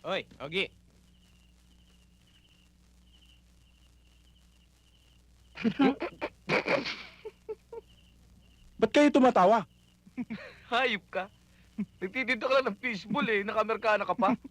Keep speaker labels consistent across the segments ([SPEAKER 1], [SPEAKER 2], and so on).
[SPEAKER 1] Hoy, Ogi.
[SPEAKER 2] Ba't kayo tumatawa?
[SPEAKER 3] Hayop ka. Nagtitinda ka lang ng fishball eh. Nakamerkana ka pa.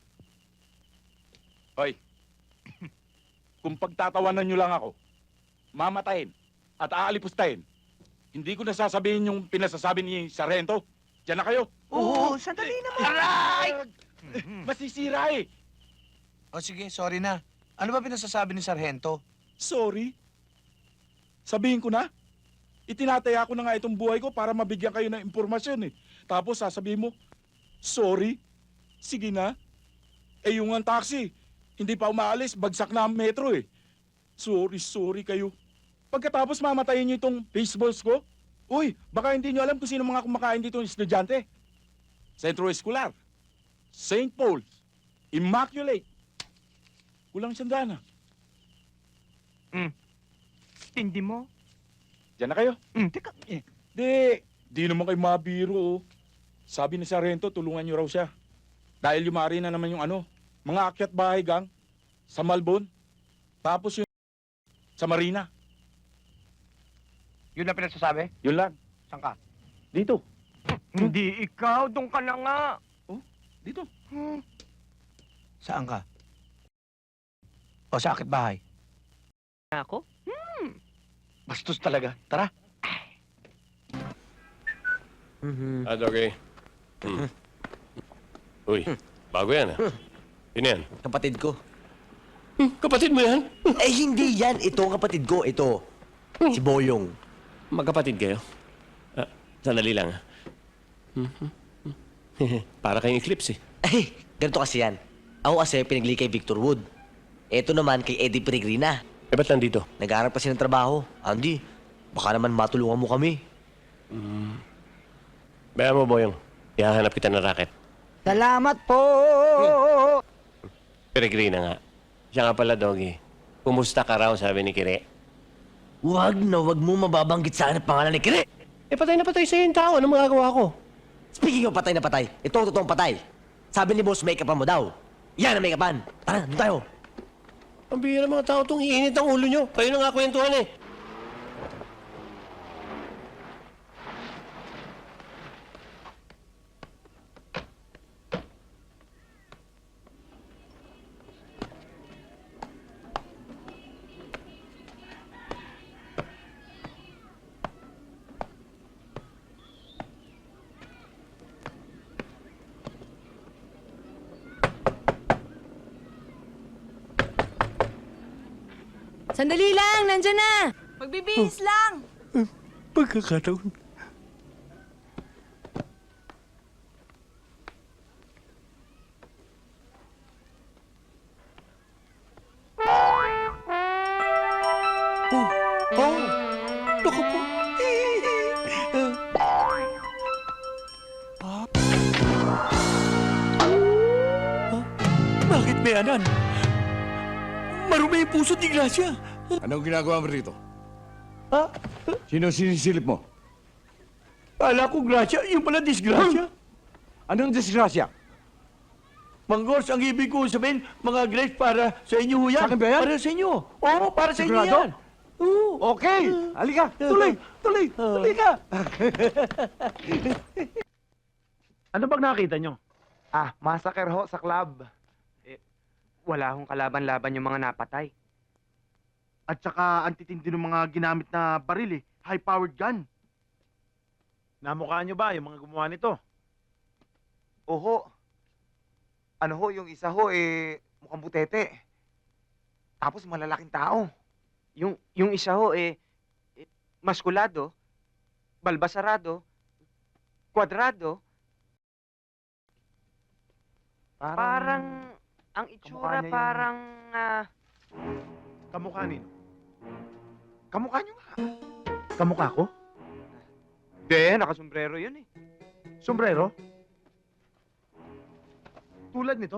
[SPEAKER 2] Hoy, kung pagtatawanan nyo lang ako, mamatayin at aalipustahin, hindi ko nasasabihin yung pinasasabi ni Sargento. Diyan na kayo.
[SPEAKER 4] Oo, sandali naman.
[SPEAKER 2] Aray! Masisira eh.
[SPEAKER 4] O sige, sorry na. Ano ba pinasasabi ni Sargento?
[SPEAKER 2] Sorry. Sabihin ko na. Itinataya ko na nga itong buhay ko para mabigyan kayo ng impormasyon eh. Tapos sasabihin mo, sorry. Sige na. Eh yung ang taxi, hindi pa umaalis, bagsak na ang metro eh. Sorry kayo. Pagkatapos mamatayin niyo itong baseballs ko, uy, baka hindi niyo alam kung sino mga kumakain dito ng estudyante. Centro Escolar, St. Paul's, Immaculate. Kulang sandana.
[SPEAKER 3] Tindi mo.
[SPEAKER 2] Diyan na kayo.
[SPEAKER 3] Teka.
[SPEAKER 2] Di naman kayo mabiro oh. Sabi ni Sargento, tulungan niyo raw siya. Dahil yumari na naman yung mga akyat bahay gang sa Malbon. Tapos yung sa Marina.
[SPEAKER 3] Yun na pinasasabi?
[SPEAKER 2] Yun lang.
[SPEAKER 3] Saan ka?
[SPEAKER 2] Dito.
[SPEAKER 3] Hindi ikaw. Doon ka na nga.
[SPEAKER 2] Dito.
[SPEAKER 4] Saan ka? O sa akit bahay?
[SPEAKER 3] Ako? Bastos talaga. Tara.
[SPEAKER 5] Okay. Uy, bago yan Sino yan?
[SPEAKER 6] Kapatid ko.
[SPEAKER 5] Kapatid mo yan?
[SPEAKER 6] Eh, hindi yan. Ito ang kapatid ko. Ito. Si Boyong.
[SPEAKER 5] Magkapatid kayo? Sandali lang Para kayong eclipse
[SPEAKER 6] Eh, ganito kasi yan. Ako kasi pinagli kay Victor Wood. Ito naman kay Eddie Peregrina.
[SPEAKER 5] Eh, ba't nandito?
[SPEAKER 6] Nag-aaral kasi ng trabaho. Andy, baka naman matulungan mo kami.
[SPEAKER 5] Bayan mo, Boyong. Ihahanap kita ng racket.
[SPEAKER 4] Salamat po!
[SPEAKER 5] Peregrina nga. Siya nga pala, Doggy. Kumusta ka raw, sabi ni Kire.
[SPEAKER 6] Huwag mo mababanggit sa akin ang pangalan ni Kire.
[SPEAKER 5] Eh, patay na patay sa'yo yung tao. Anong magagawa ko?
[SPEAKER 6] Speaking of patay na patay, ito ang totoong patay. Sabi ni boss, make-upan mo daw. Yan ang make-upan. Tara, doon tayo.
[SPEAKER 5] Ang bihira mga tao itong iinit ang ulo nyo. Kayo na nga kwentuhan eh.
[SPEAKER 7] Sandali lang, nandyan na. Magbibihis lang.
[SPEAKER 5] Pagkakataon.
[SPEAKER 4] Naku po! Bakit may anan? Marumi yung puso ni Gracia.
[SPEAKER 8] Anong ginagawa mo rito?
[SPEAKER 4] Ha?
[SPEAKER 8] Sino sinisilip mo?
[SPEAKER 4] Kala ko Gracia, yung pala disgrasya.
[SPEAKER 8] Anong disgrasya?
[SPEAKER 4] Manggors, ang ibig ko sabihin, mga grapes para sa inyo ho yan.
[SPEAKER 8] Sa akin ba yan?
[SPEAKER 4] Para sa inyo. Oo, para sa inyo
[SPEAKER 8] Sigurado?
[SPEAKER 4] yan. Oo.
[SPEAKER 8] Okay! Halika! Tuloy ka!
[SPEAKER 3] Ano bang nakita nyo?
[SPEAKER 9] Massacre ho sa club.
[SPEAKER 3] Wala akong kalaban-laban yung mga napatay.
[SPEAKER 9] At saka ang titindi ng mga ginamit na baril eh. High-powered gun.
[SPEAKER 3] Namukha nyo ba yung mga gumawa nito?
[SPEAKER 9] Oho. Ano ho, yung isa ho mukhang butete. Tapos malalaking tao.
[SPEAKER 3] Yung isa ho maskulado, balbasarado, kwadrado. Parang ang itsura
[SPEAKER 9] kamukha niya yung-
[SPEAKER 3] parang
[SPEAKER 9] Kamukha nino? Kamukha nyo nga. Kamukha ko?
[SPEAKER 3] Hindi, nakasombrero yun eh.
[SPEAKER 9] Sombrero? Tulad nito?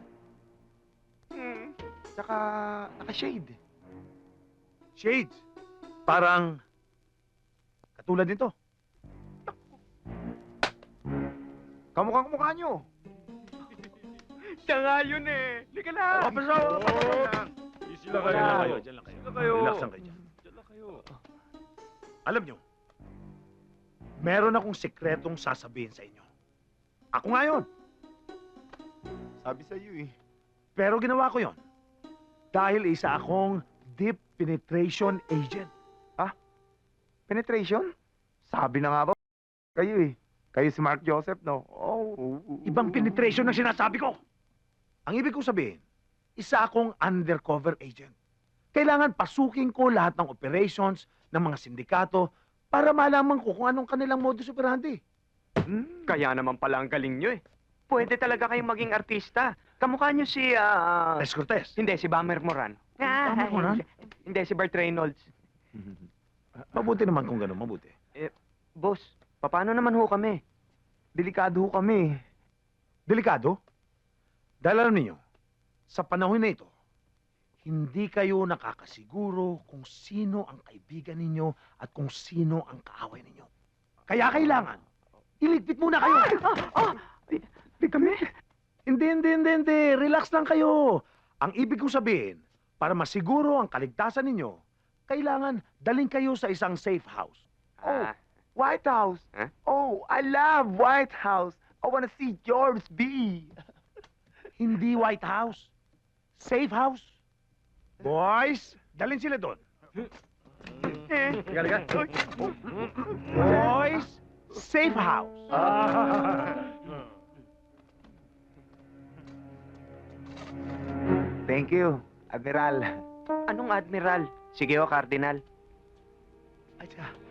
[SPEAKER 9] Tsaka naka-shade.
[SPEAKER 3] Shades.
[SPEAKER 9] Parang katulad nito. Kamukha nyo.
[SPEAKER 3] Siya nga yun eh. Lika lang.
[SPEAKER 1] Easy lang kayo. Diyan lang kayo.
[SPEAKER 3] Sila kayo.
[SPEAKER 1] Relax lang kayo dyan.
[SPEAKER 3] Diyan lang kayo.
[SPEAKER 1] Alam nyo, meron akong sekretong sasabihin sa inyo. Ako nga yun.
[SPEAKER 9] Sabi sa iyo eh.
[SPEAKER 1] Pero ginawa ko yon dahil isa akong deep penetration agent.
[SPEAKER 9] Penetration? Sabi na nga ba? Kayo eh. Kayo si Mark Joseph, no? Oh.
[SPEAKER 1] Ibang penetration ang sinasabi ko. Ang ibig kong sabihin, isa akong undercover agent. Kailangan pasukin ko lahat ng operations ng mga sindikato para malaman ko kung anong kanilang modus operandi.
[SPEAKER 3] Kaya naman pala ang galing nyo eh. Pwede talaga kayong maging artista. Kamukha nyo si,
[SPEAKER 1] Les Cortez.
[SPEAKER 3] Hindi, si Bummer Moran.
[SPEAKER 1] Bummer Moran?
[SPEAKER 3] Hindi, si Burt Reynolds.
[SPEAKER 1] Mabuti naman kung gano'n, mabuti.
[SPEAKER 3] Boss, paano naman ho kami?
[SPEAKER 9] Delikado ho kami.
[SPEAKER 1] Delikado? Dahil alam niyo, sa panahon na ito, hindi kayo nakakasiguro kung sino ang kaibigan ninyo at kung sino ang kaaway ninyo. Kaya kailangan, iligpit muna kayo.
[SPEAKER 9] Di kami.
[SPEAKER 1] Hindi. Relax lang kayo. Ang ibig kong sabihin, para masiguro ang kaligtasan ninyo, kailangan daling kayo sa isang safe house.
[SPEAKER 9] Oh, White House.
[SPEAKER 3] Huh?
[SPEAKER 9] Oh, I love White House. I wanna see George B.
[SPEAKER 1] Hindi White House. Safe house. Boys, dalhin sila doon. Boys, safe house.
[SPEAKER 9] Thank you, Admiral.
[SPEAKER 3] Anong admiral? Sige ho, Cardinal.
[SPEAKER 1] Ay, teka.